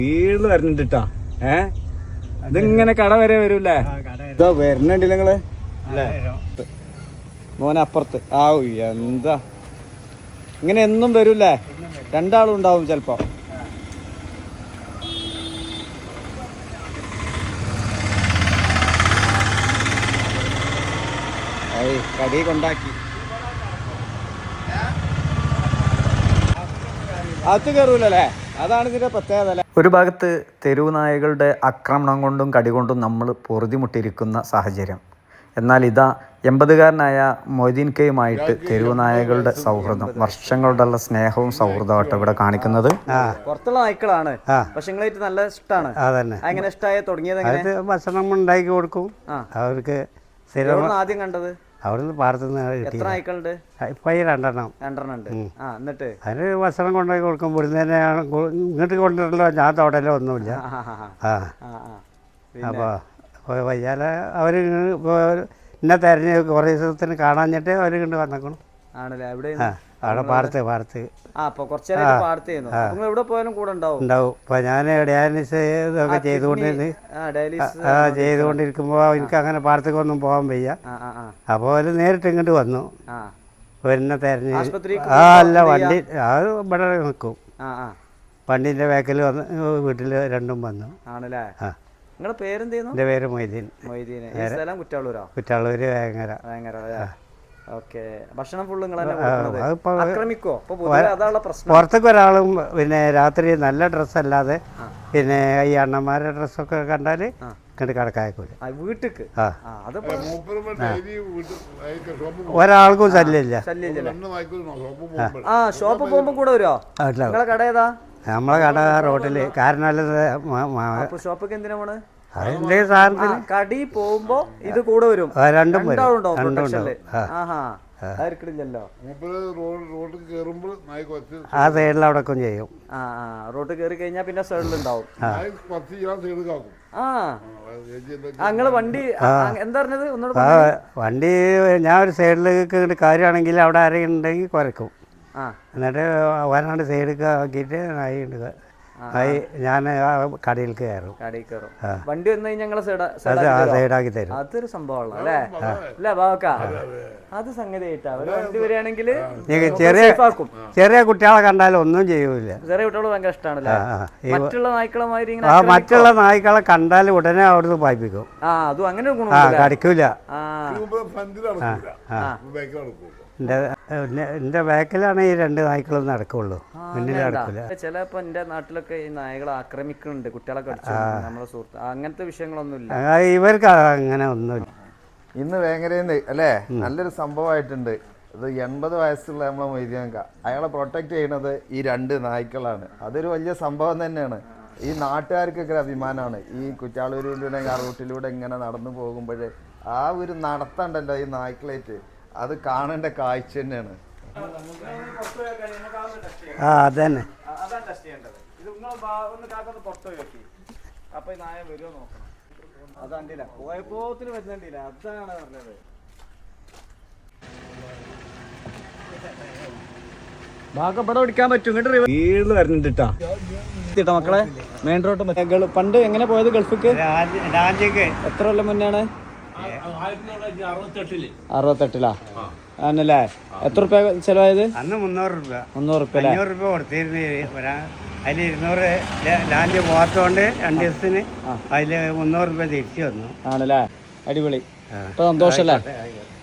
വീട് വരുന്നുണ്ട് ഇതിങ്ങനെ കട വരെ വരൂല്ലേ? ഇതാ വരുന്നുണ്ടല്ലോ നിങ്ങള് മോനപ്പുറത്ത്. എന്താ ഇങ്ങനെ എന്നും വരൂല്ലേ? രണ്ടാളും ഉണ്ടാവും ചെലപ്പോ. കടി കൊണ്ടാക്കി അകത്ത് കയറൂലല്ലേ? അതാണ് ഇതിന്റെ പ്രത്യേകത. ഒരു ഭാഗത്ത് തെരുവ് നായകളുടെ ആക്രമണം കൊണ്ടും കടി കൊണ്ടും നമ്മൾ പൊറുതിമുട്ടിയിരിക്കുന്ന സാഹചര്യം. എന്നാൽ ഇതാ 80കാരനായ മൊയ്തീൻ കെയുമായിട്ട് തെരുവ് നായകളുടെ സൗഹൃദം, വർഷങ്ങളുടെയുള്ള സ്നേഹവും സൗഹൃദമായിട്ട് ഇവിടെ കാണിക്കുന്നത്. പുറത്തുള്ള നായ്ക്കളാണ്, പക്ഷെ നിങ്ങളായിട്ട് നല്ല ഇഷ്ടമാണ്. അതന്നെ. അങ്ങനെ ഇഷ്ടമായി തുടങ്ങിയത് ഭക്ഷണം ഉണ്ടാക്കി കൊടുക്കും അവർക്ക്. ആദ്യം കണ്ടത് അവിടുന്ന് പാടത്തുനിന്ന്. എത്ര നായ്ക്കളുണ്ട്? ഇപ്പം 2 ഉണ്ട്. എന്നിട്ട് അതിന് ഭക്ഷണം കൊണ്ടുപോയി കൊടുക്കും. ഇവിടുന്ന് തന്നെയാണ് ഇങ്ങോട്ട് കൊണ്ടുവരല്ലോ, ഞാൻ തോടലോ ഒന്നുമില്ല. അപ്പോൾ വയ്യാല അവർ എന്നെ തെരഞ്ഞ് കുറേ ദിവസത്തിന് കാണാഞ്ഞിട്ട് അവർ കൊണ്ട് വന്നേക്കണം. ആണല്ലേ? എവിടെ? അവിടെ പാടത്ത്. എവിടെ പോയാലും കൂടെ ഉണ്ടാവും. ഇപ്പൊ ഞാൻ ഡയാലിസിസ് ഇതൊക്കെ ചെയ്തുകൊണ്ടിരിക്കുമ്പോൾ എനിക്ക് അങ്ങനെ പാടത്തേക്കൊന്നും പോകാൻ വയ്യ. അപ്പോൾ അവർ നേരിട്ട് ഇങ്ങോട്ട് വന്നു. എന്നെ തെരഞ്ഞ് അല്ല വണ്ടി അത് ഇവിടെ നിൽക്കും. വണ്ടീൻ്റെ ബാക്കിൽ വന്ന് വീട്ടിൽ രണ്ടും വന്നു. ആണല്ലേ? നിങ്ങളുടെ പേരെന്തായിരുന്നു? എൻ്റെ പേര് മൊയ്തീൻ. കുറ്റാളൂര് വേങ്ങര. പുറത്തേക്ക് ഒരാളും പിന്നെ രാത്രി നല്ല ഡ്രസ്സല്ലാതെ പിന്നെ ഈ അണ്ണന്മാരുടെ ഡ്രസ്സൊക്കെ കണ്ടാൽ ഇങ്ങോട്ട് കടക്കായക്കൂല വീട്ടിക്ക്. ഒരാൾക്കും ശല്യമില്ല. ഷോപ്പ് പോകുമ്പോ കൂടെ വരുമോ? കട ഏതാ? നമ്മളെ കട റോഡില്. കാരണം ഷോപ്പൊക്കെ എന്തിനാ പോണ്? അതിന്റെ സാധനത്തിന് കടി പോകുമ്പോ ഇത് കൂടെ വരും. രണ്ടും ആ സൈഡിൽ അവിടെ ചെയ്യും. റോഡ് കയറി കഴിഞ്ഞാൽ പിന്നെ സൈഡിലുണ്ടാവും. നിങ്ങള് വണ്ടി എന്താ പറഞ്ഞത്? വണ്ടി ഞാൻ ഒരു സൈഡിലേക്ക് കാര്യമാണെങ്കിൽ അവിടെ ആരെങ്കിലും ഉണ്ടെങ്കിൽ കുരക്കും. എന്നിട്ട് വരാണ്ട് സൈഡിലേക്ക് ആക്കിയിട്ട് ഞാൻ കടയിൽ കയറും. വണ്ടി വന്നു കഴിഞ്ഞാൽ സൈഡാക്കി തരും. അതൊരു സംഭവമാണ് അല്ലേ? അത് സംഗതി വണ്ടി വരികയാണെങ്കിൽ ചെറിയ കുട്ടികളെ കണ്ടാലും ഒന്നും ചെയ്യൂല. ചെറിയ കുട്ടികൾ ഭയങ്കര ഇഷ്ടമാണല്ലേ? മറ്റുള്ള നായ്ക്കളമാതിരി മറ്റുള്ള നായ്ക്കളെ കണ്ടാൽ ഉടനെ അവിടുന്ന് പായിപ്പിക്കും. അതും അങ്ങനെ കടിക്കൂല. എന്റെ ബാക്കിലാണ് ഈ 2 നായ്ക്കളും നടക്കുള്ളൂ, മുന്നിൽ നടക്കില്ല. ചിലപ്പോ എന്റെ നാട്ടിലൊക്കെ ഈ നായകളെ ആക്രമിക്കുന്നുണ്ട്, കുട്ടികളെ കടിച്ചു, നമ്മളെ സുഹൃത്ത്. അങ്ങനത്തെ വിഷയങ്ങളൊന്നുമില്ല ഇവർക്ക്, അങ്ങനെ ഒന്നുമില്ല. ഇന്ന് വേങ്ങരയിൽ അല്ലേ നല്ലൊരു സംഭവമായിട്ടുണ്ട്. ഇത് 80 വയസ്സുള്ള നമ്മളെ മൊയ്തീൻക, അയാളെ പ്രൊട്ടക്ട് ചെയ്യുന്നത് ഈ 2 നായ്ക്കളാണ്. അതൊരു വലിയ സംഭവം തന്നെയാണ്. ഈ നാട്ടുകാർക്കൊക്കെ അഭിമാനമാണ്. ഈ കുറ്റാളൂരിലൂടെ ആ റൂട്ടിലൂടെ ഇങ്ങനെ നടന്നു പോകുമ്പോൾ ആ ഒരു നടത്തണ്ടല്ലോ ഈ നായ്ക്കളായിട്ട്, അത് കാണേണ്ട കാഴ്ച തന്നെയാണ്. അതന്നെ. അപ്പൊ നായ വരുമോ നോക്കണം. അതണ്ടില്ല, പോയപ്പോത്തിന് വരുന്നുണ്ടില്ല. അതാണ് പറഞ്ഞത്. ഭാഗം ഇവിടെ ഓടിക്കാൻ പറ്റും. ഇങ്ങോട്ട് വീട് വരുന്നുണ്ട് മക്കളെ. മെയിൻ റോഡ് പണ്ട് എങ്ങനെ പോയത് ഗൾഫിക്ക്? എത്ര കൊല്ലം മുന്നാണ്? 68 ആണല്ലേ? എത്ര റുപ്യ ചെലവായത്? അന്ന് 300 രൂപ. 300 രൂപ കൊടുത്തിരുന്നു. അതിൽ 200 ലാൻഡ് പോകാത്തോണ്ട് 2 ദിവസത്തിന് അതില് 300 രൂപ തിരിച്ചു വന്നു. ആണല്ലേ? അടിപൊളി. ഇപ്പൊ സന്തോഷല്ലേ?